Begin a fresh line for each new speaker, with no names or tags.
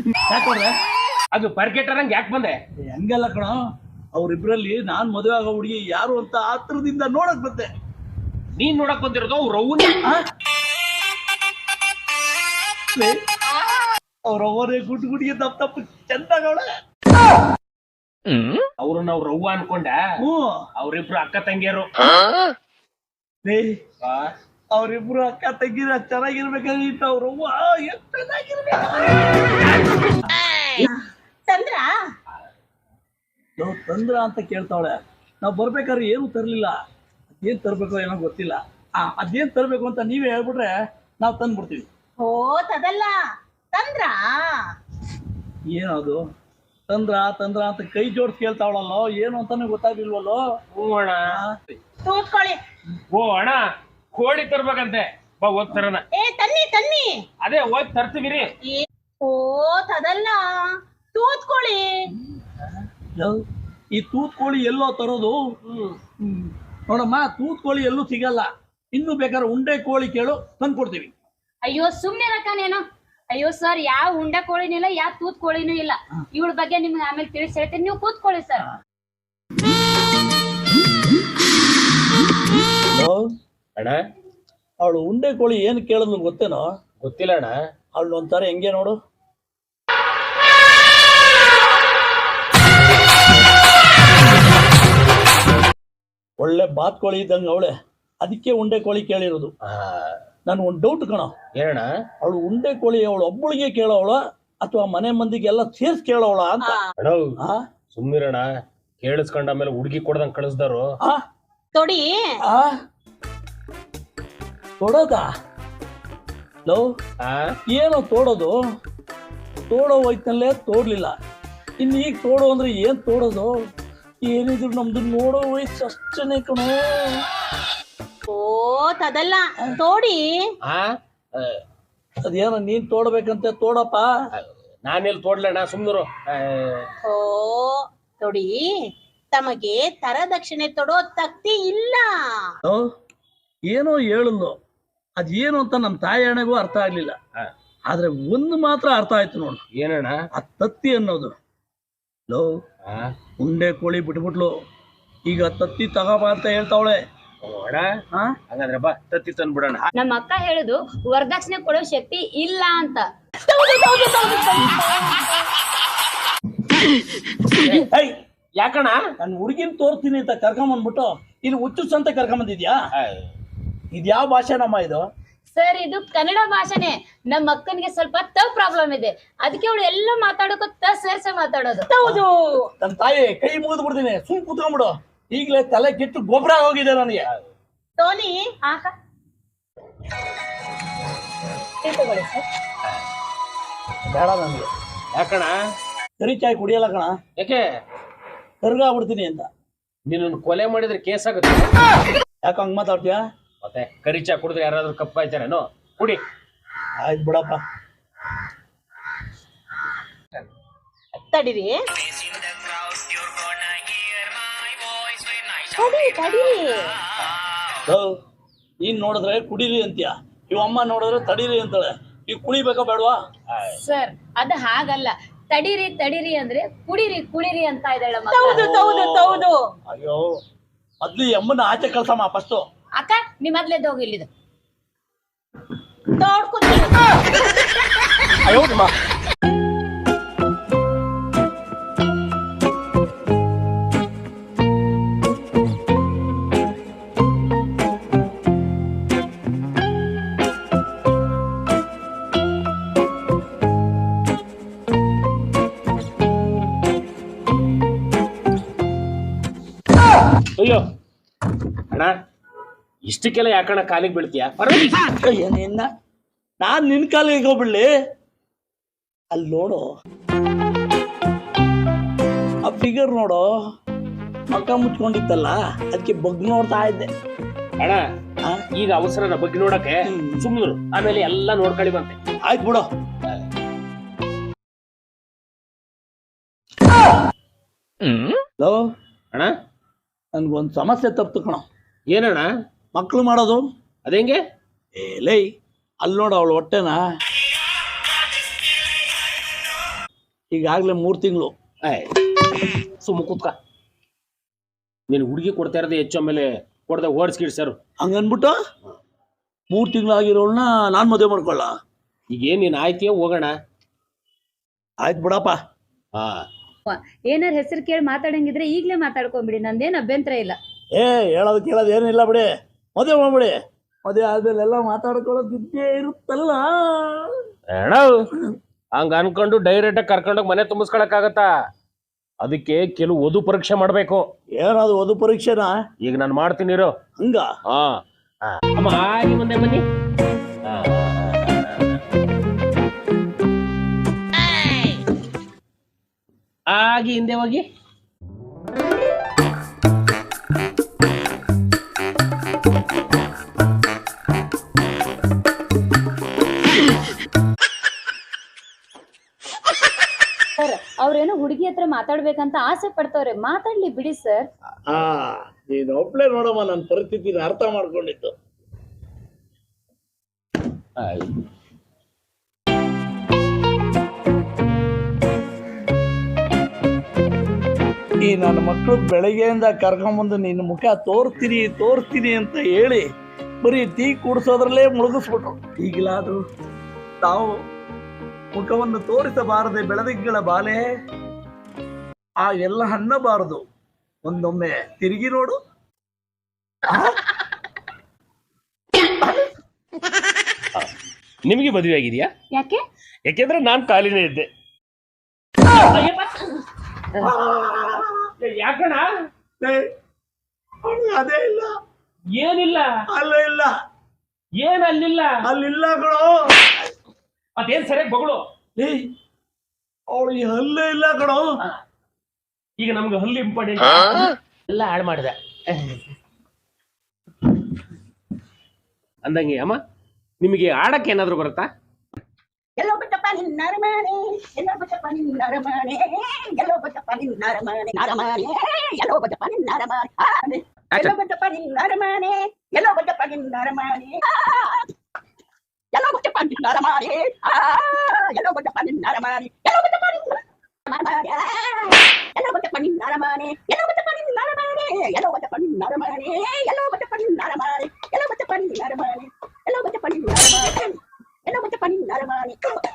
ಯಾಕೋಡ್ರೆ
ಅದು ಪರ್ಕೆಟರಂಗ್ ಯಾಕೆ ಬಂದೆ?
ಹಂಗಲ್ಲ ಕಣ, ಅವ್ರಿಬ್ರಲ್ಲಿ ನಾನ್ ಮದುವೆ ಆಗೋ ಹುಡುಗಿ ಯಾರು ಅಂತ ಆತ್ರದಿಂದ ನೋಡಕ್ ಬಂದೆ.
ನೀನ್ ನೋಡಕ್ ಬಂದಿರೋದು ಅವ್ರ ಅವ್ವನ.
ಅವ್ರ ಅವರೇ ಗುಡ್ ಗುಡಿಗೆ ತಪ್ಪ ಚಂದಾಗವಳೆ.
ಅವ್ರನ್ನ ಅವ್ರ ಅವ್ವ ಅನ್ಕೊಂಡ? ಅವ್ರಿಬ್ರು ಅಕ್ಕ ತಂಗಿಯರು.
ಅವ್ರಿಬ್ರು ಅಕ್ಕ ತಂಗಿರ ಚೆನ್ನಾಗಿರ್ಬೇಕಾಗಿತ್ತು. ಅವ್ರ ಅವ್ವ ಎಷ್ಟು ಚೆನ್ನಾಗಿರ್ಬೇಕು. ತಂದ್ರ ಅಂತ ಕೇಳ್ತಾವಳೆ. ನಾವ್ ಬರ್ಬೇಕಾದ್ರೆ ಏನು ತರ್ಲಿಲ್ಲ. ಅದೇನ್ ತರ್ಬೇಕೋ ಏನೋ ಗೊತ್ತಿಲ್ಲ. ಅದೇನ್ ತರ್ಬೇಕು ಅಂತ ನೀವೇ ಹೇಳ್ಬಿಟ್ರೆ ನಾವ್ ತಂದ್ಬಿಡ್ತೀವಿ.
ಓ ತದಲ್ಲ ತಂದ್ರ
ಏನದು ತಂದ್ರ ತಂದ್ರ ಅಂತ ಕೈ ಜೋಡ್ಸ್ ಕೇಳ್ತಾವಳಲ್ಲೋ, ಏನು ಅಂತಾನೆ ಗೊತ್ತಾಗ್ಲಿಲ್ವಲ್ಲೋ.
ಹ್ಞೂ ಅಣ್ಣ.
ತೂತ್ಕೊಳ್ಳಿ.
ಓ ಅಣ್ಣ, ಕೋಳಿ ತರ್ಬೇಕಂತೆ. ಬಾ ಹೋಗ್ ತರೋಣ.
ತನ್ನಿ ತನ್ನಿ.
ಅದೇ ಹೋಗಿ ತರ್ತೀವಿ.
ಓ ತದಲ್ಲ ತೂತ್ಕೊಳ್ಳಿ.
ಈ ತೂತ್ಕೋಳಿ ಎಲ್ಲೋ ತರೋದು? ನೋಡಮ್ಮ, ತೂತ್ಕೋಳಿ ಎಲ್ಲೂ ಸಿಗಲ್ಲ. ಇನ್ನು ಬೇಕಾದ್ರೆ ಉಂಡೆ ಕೋಳಿ ಕೇಳು, ತಂದ್ಕೊಡ್ತೀವಿ.
ಅಯ್ಯೋ ಸುಮ್ನೆ ರಕ್ಕನೇನು. ಅಯ್ಯೋ ಸರ್, ಯಾವ ಉಂಡ ಕೋಳಿನೂ ಇಲ್ಲ, ಯಾವ ತೂತ್ ಕೋಳಿನೂ ಇಲ್ಲ. ಇವಳ ಬಗ್ಗೆ ನಿಮ್ಗೆ ಆಮೇಲೆ ತಿಳಿಸಿ ಹೇಳ್ತೀನಿ, ನೀವು ಕೂತ್ಕೊಳ್ಳಿ ಸರ್.
ಅಣ್ಣ,
ಅವಳು ಉಂಡೆ ಕೋಳಿ ಏನ್ ಕೇಳಿದ್ಲು ಗೊತ್ತೇನೋ?
ಗೊತ್ತಿಲ್ಲ ಅಣ್ಣ.
ಅವಳು ಒಂಥರ ಹೆಂಗೆ ನೋಡು, ಒಳ್ಳೆ ಬಾತ್ಕೋಳಿ ಇದ್ದಂಗ ಅವಳೆ. ಅದಕ್ಕೆ ಉಂಡೆ ಕೋಳಿ ಕೇಳಿರೋದು. ನನ್ ಒಂದ್ ಡೌಟ್ ಕಣ,
ಏನಣ್ಣ?
ಅವಳು ಉಂಡೆ ಕೋಳಿ ಅವಳು ಒಬ್ಬಳಿಗೆ ಕೇಳೋವಳ ಅಥವಾ ಮನೆ ಮಂದಿಗೆಲ್ಲ ಸೇರ್ಸ್ ಕೇಳೋವಳ ಅಂತ?
ಸುಮ್ಮಿರಣ, ಕೇಳಿಸ್ಕೊಂಡ ಆಮೇಲೆ ಹುಡುಗಿ ಕೊಡ್ದಂಗ್ ಕಳಿಸ್ದಾರು.
ತೊಡಿ
ತೊಡೋದ? ಲೋ, ಏನೋ ತೋಡೋದು? ತೋಡೋ ವಯಸ್ಸಿನಲ್ಲೇ ತೋಡ್ಲಿಲ್ಲ, ಇನ್ನು ಈಗ ತೋಡೋ ಅಂದ್ರೆ ಏನ್ ತೋಡೋದು? ಏನಿದ್ರು ನಮ್ದು ನೋಡೋ ವಯಸ್ಸು ಅಷ್ಟೇ ಕಣೋ.
ಓ ತದಲ್ಲ ತೋಡಿ.
ಅದೇನೋ ನೀನ್ ತೋಡ್ಬೇಕಂತೆ ತೋಡಪ್ಪ.
ನಾನೆಲ್ಲಿ ತೋಡ್ಲಣ್ಣ, ಸುಮ್ನರು.
ಓ ತೊಡಿ, ತಮಗೆ ತರದಕ್ಷಿಣೆ ತೊಡೋ ತಕ್ತಿ ಇಲ್ಲ.
ಏನೋ ಹೇಳಲು, ಅದೇನು ಅಂತ ನಮ್ ತಾಯಿ ಅಣ್ಣಗೂ ಅರ್ಥ ಆಗ್ಲಿಲ್ಲ. ಆದ್ರೆ ಒಂದು ಮಾತ್ರ ಅರ್ಥ ಆಯ್ತು ನೋಡು.
ಏನಣ್ಣ?
ಆ ತತ್ತಿ ಅನ್ನೋದು. ಲೋ, ಉಂಡೆ ಕೋಳಿ ಬಿಟ್ಬಿಟ್ಲು, ಈಗ ತತ್ತಿ ತಗೋಬಾ ಅಂತ ಹೇಳ್ತಾವಳೆ.
ಹಂಗಂದ್ರೆ ಬಾ ತತ್ತಿ ತಂದ್ಬಿಡೋಣ.
ನಮ್ಮ ಅಕ್ಕ ಹೇಳುದು ವರದಕ್ಷಿಣೆ ಕೊಡೋ ಶಕ್ತಿ ಇಲ್ಲ ಅಂತ.
ಯಾಕಣ್ಣ?
ನಾನು ಹುಡುಗಿನ ತೋರ್ತೀನಿ ಅಂತ ಕರ್ಕೊಂಬಂದ್ಬಿಟ್ಟು ಇಲ್ಲಿ ಹುಚ್ಚುಸ್ ಅಂತ ಕರ್ಕೊಂಬಂದಿದ್ಯಾ? ಇದ್ಯಾವ ಭಾಷೆ ನಮ್ಮ ಇದು?
ಸರ್, ಇದು ಕನ್ನಡ ಭಾಷೆನೆ. ನಮ್ಮ ಅಕ್ಕನಿಗೆ ಸ್ವಲ್ಪ ತಪ್ಪು ಪ್ರಾಬ್ಲಮ್ ಇದೆ, ಅದಕ್ಕೆ ಅವಳು ಎಲ್ಲ ಮಾತಾಡೋಕೆ ಸೇರ್ಸೆ ಮಾತಾಡೋದು.
ಹೌದು.
ನನ್ನ ತಾಯಿ ಕೈ ಮುಗಿದು ಬಿಡ್ತೀನಿ, ಸುಮ್ ಕುತ್ಕೊಂಡ್ಬಿಡು. ಈಗಲೇ ತಲೆ ಕೆಟ್ಟು ಗೊಬ್ಬರ ಹೋಗಿದೆ ನನಗೆ.
ಟೋನಿ
ಬೇಡ ನನಗೆ.
ಯಾಕಣ?
ಕರಿ ಚಾಯ್ ಕುಡಿಯಲ್ಲ ಕಣ.
ಯಾಕೆ?
ಕರ್ಗಾಗ್ಬಿಡ್ತೀನಿ ಅಂತ.
ನೀನು ಕೊಲೆ ಮಾಡಿದ್ರೆ ಕೇಸ್ ಆಗುತ್ತೆ.
ಯಾಕ ಹಂಗ್ ಮಾತಾಡ್ತೀಯ?
ಮತ್ತೆ ಕರಿ ಚಾ ಕುಡಿದ್ರೆ ಯಾರಾದ್ರೂ ಕಪ್ಪಾಯ್ತಾರೇನೋ? ಕುಡಿ.
ಆಯ್ತು ಬಿಡಪ್ಪ.
ತಡಿರಿ
ನೀನ್ ನೋಡಿದ್ರೆ ಕುಡೀರಿ ಅಂತೀಯ, ಇವ ಅಮ್ಮ ನೋಡಿದ್ರೆ ತಡೀರಿ ಅಂತಾಳೆ. ಈಗ ಕುಡಿಬೇಕಾ ಬೇಡವಾ?
ಸರ್, ಅದು ಹಾಗಲ್ಲ. ತಡೀರಿ ತಡೀರಿ ಅಂದ್ರೆ ಕುಡೀರಿ ಕುಡೀರಿ ಅಂತ ಇದ್ದಾಳೆ.
ಅಯ್ಯೋ, ಮೊದ್ಲು ಈ ಅಮ್ಮನ ಆಚೆ ಕಳ್ಸಮ್ಮ ಫಸ್ಟ್.
ಅಕ್ಕ, ನಿಮ್ಮ ಮೊದ್ಲೆದ್ದು ಹೋಗಿ ಇಲ್ಲಿದು.
ಅಯ್ಯೋ ನಿಮ್ಮ
ಅಯ್ಯೋ ಅಣ್ಣ, ಇಷ್ಟಕ್ಕೆಲ್ಲ ಯಾಕಣ್ಣ ಕಾಲಿಗೆ ಬೀಳ್ತೀಯ?
ಏನೇನ ನಾನ್ ನಿನ್ ಕಾಲಿಗೆ ಹೋಗ್ಬಿಡ್ಲಿ? ಅಲ್ಲಿ ನೋಡು, ಆ ಫಿಗರ್ ನೋಡು, ಮಕ್ಕ ಮುಚ್ಕೊಂಡಿತ್ತಲ್ಲ, ಅದಕ್ಕೆ ಬಗ್ ನೋಡ್ತಾ ಇದ್ದೆ.
ಅಣ್ಣ, ಈಗ ಅವಸರನ ಬಗ್ಗೆ ನೋಡಕ್ಕೆ ಸುಮ್ಮರು, ಆಮೇಲೆ ಎಲ್ಲ ನೋಡ್ಕೊಳ್ಳಿ ಬಂತೆ.
ಆಯ್ತು ಬಿಡು.
ಅಣ್ಣ,
ನನ್ಗೊಂದ್ ಸಮಸ್ಯೆ ತಪ್ತು ಕಣ.
ಏನಣ್ಣ?
ಮಕ್ಳು ಮಾಡೋದು
ಅದೇಂಗೆ?
ಲೈ, ಅಲ್ಲಿ ನೋಡು ಅವಳು ಹೊಟ್ಟೆನ. ಈಗಾಗಲೇ 3 ತಿಂಗಳು.
ಸುಮ್ಮ ಕೂತ್ಕ. ನೀನು ಹುಡುಗಿ ಕೊಡ್ತಾ ಇರೋದು ಹೆಚ್ಚು, ಆಮೇಲೆ ಕೊಡದೆ ಓಡಿಸ್ಕಿಡ್ ಸರ್.
ಹಂಗನ್ಬಿಟ್ಟು 3 ತಿಂಗಳಾಗಿರೋಳನ್ನ ನಾನು ಮದುವೆ ಮಾಡ್ಕೊಳ್ಳ?
ಈಗೇನು ನೀನು ಆಯ್ತೀಯ, ಹೋಗೋಣ.
ಆಯ್ತು ಬಿಡಪ್ಪ.
ಹಾ,
ಏನಾರ ಹೆಸರು ಕೇಳಿ ಮಾತಾಡಂಗಿದ್ರೆ ಈಗ್ಲೇ ಮಾತಾಡ್ಕೊಂಬಿಡಿ, ನಂದೇನ್ ಅಭ್ಯಂತರ ಇಲ್ಲ.
ಹೇಳೋದು ಕೇಳೋದು ಏನಿಲ್ಲ ಬಿಡಿ, ಮದುವೆ ಮಾಡ್ಬಿಡಿ. ಮದುವೆ ಆದ್ಮೇಲೆ ಎಲ್ಲ ಮಾತಾಡ್ಕೊಳ್ಳೋದು ಇದ್ದೇ ಇರುತ್ತಲ್ಲ.
ಹಂಗ ಅನ್ಕೊಂಡು ಡೈರೆಕ್ಟ್ ಕರ್ಕೊಂಡೋಗಿ ಮನೆ ತುಂಬಿಸ್ಕೊಳಕ್ಕಾಗತ್ತಾ? ಅದಕ್ಕೆ ಕೆಲವು ವಧು ಪರೀಕ್ಷೆ ಮಾಡ್ಬೇಕು.
ಏನದು ವಧು ಪರೀಕ್ಷೆನಾ?
ಈಗ ನಾನು ಮಾಡ್ತೀನಿ ಇರೋ.
ಹಂಗ?
ಹಾ, ಅಮ್ಮ ಹಾಗೆ ಮುಂದೆ ಬನ್ನಿ. ಆಗಿ ಹಿಂದೆ ಹೋಗಿ.
ಸರ್ ಅವ್ರೇನೋ ಹುಡುಗಿ ಹತ್ರ ಮಾತಾಡ್ಬೇಕಂತ ಆಸೆ ಪಡ್ತವ್ರೆ, ಮಾತಾಡ್ಲಿ ಬಿಡಿ ಸರ್.
ನೀನು ಒಬ್ಳೆ ನೋಡಮ್ಮ ನನ್ನ ಪರಿಸ್ಥಿತಿನ ಅರ್ಥ ಮಾಡ್ಕೊಂಡಿತ್ತು. ಈ ನನ್ನ ಮಕ್ಕಳು ಬೆಳಗ್ಗೆಯಿಂದ ಕರ್ಕೊಂಬಂದು ನಿನ್ನ ಮುಖ ತೋರಿಸ್ತೀನಿ ಅಂತ ಹೇಳಿ ಬರೀ ಟೀ ಕುಡಿಸೋದ್ರಲ್ಲೇ ಮುಳುಗಿಸ್ಬಿಟ್ರು. ಈಗಲಾದ್ರೂ ತಾವು ಮುಖವನ್ನು ತೋರಿಸಬಾರದೆ ಬೆಳದಿಂಗಳ ಬಾಲೆ, ಆ ಎಲ್ಲ ಅನ್ನಬಾರದು. ಒಂದೊಮ್ಮೆ ತಿರುಗಿ ನೋಡು.
ನಿಮಗೆ ಮದುವೆ ಆಗಿದೆಯಾ?
ಯಾಕೆ?
ಯಾಕೆಂದ್ರೆ ನಾನು ಖಾಲಿನೇ ಇದ್ದೆ. ಯಾಕಣ?
ಅದೇ ಇಲ್ಲ,
ಏನಿಲ್ಲ,
ಅಲ್ಲೇ ಇಲ್ಲ,
ಏನ್ ಅಲ್ಲಿಲ್ಲ,
ಅಲ್ಲಿಲ್ಲ ಕಣೋ.
ಅದೇನ್ ಸರಿಯಾಗಿ ಬಗಳು.
ಅವಳು ಅಲ್ಲೇ ಇಲ್ಲ ಕಣೋ.
ಈಗ ನಮ್ಗೆ ಹಲ್ಲು ಇಂಪಾರ್ಟೆಂಟ್, ಎಲ್ಲ ಹಾಳು ಮಾಡಿದೆ ಅಂದಂಗೆ. ಅಮ್ಮ, ನಿಮಗೆ ಆಡಕ್ಕೆ ಏನಾದ್ರು ಬರುತ್ತಾ?
ಎಲ್ಲೋ ಬಟ್ಟಪ್ಪ ನಿನ್ನ ಅರಮನೆ, ಎಲ್ಲೋ ಬಟ್ಟಪ್ಪ ನಿನ್ನ ಅರಮನೆ, ಎಲ್ಲೋ ಬಟ್ಟಪ್ಪ ನಿನ್ನ ಅರಮನೆ, ಅರಮನೆ, ಎಲ್ಲೋ ಬಟ್ಟಪ್ಪ ನಿನ್ನ ಅರಮನೆ, ಎಲ್ಲೋ ಬಟ್ಟಪ್ಪ ನಿನ್ನ ಅರಮನೆ, ಎಲ್ಲೋ ಬಟ್ಟಪ್ಪ ನಿನ್ನ ಅರಮನೆ, ಎಲ್ಲೋ ಬಟ್ಟಪ್ಪ ನಿನ್ನ ಅರಮನೆ, ಎಲ್ಲೋ ಬಟ್ಟಪ್ಪ ನಿನ್ನ ಅರಮನೆ, ಎಲ್ಲೋ ಬಟ್ಟಪ್ಪ ನಿನ್ನ ಅರಮನೆ, ಎಲ್ಲೋ ಬಟ್ಟಪ್ಪ ನಿನ್ನ ಅರಮನೆ, ಎಲ್ಲೋ ಬಟ್ಟಪ್ಪ ನಿನ್ನ ಅರಮನೆ, ಎಲ್ಲೋ ಬಟ್ಟಪ್ಪ ನಿನ್ನ ಅರಮನೆ, ಎಲ್ಲೋ ಬಟ್ಟಪ್ಪ ನಿನ್ನ ಅರಮನೆ, ಎಲ್ಲೋ ಬಟ್ಟಪ್ಪ ನಿನ್ನ ಅರಮನೆ, ಎಲ್ಲೋ ಬಟ್ಟಪ್ಪ ನಿನ್ನ ಅರಮನೆ, ಎಲ್ಲೋ ಬಟ್ಟಪ್ಪ ನಿನ್ನ ಅರಮನೆ.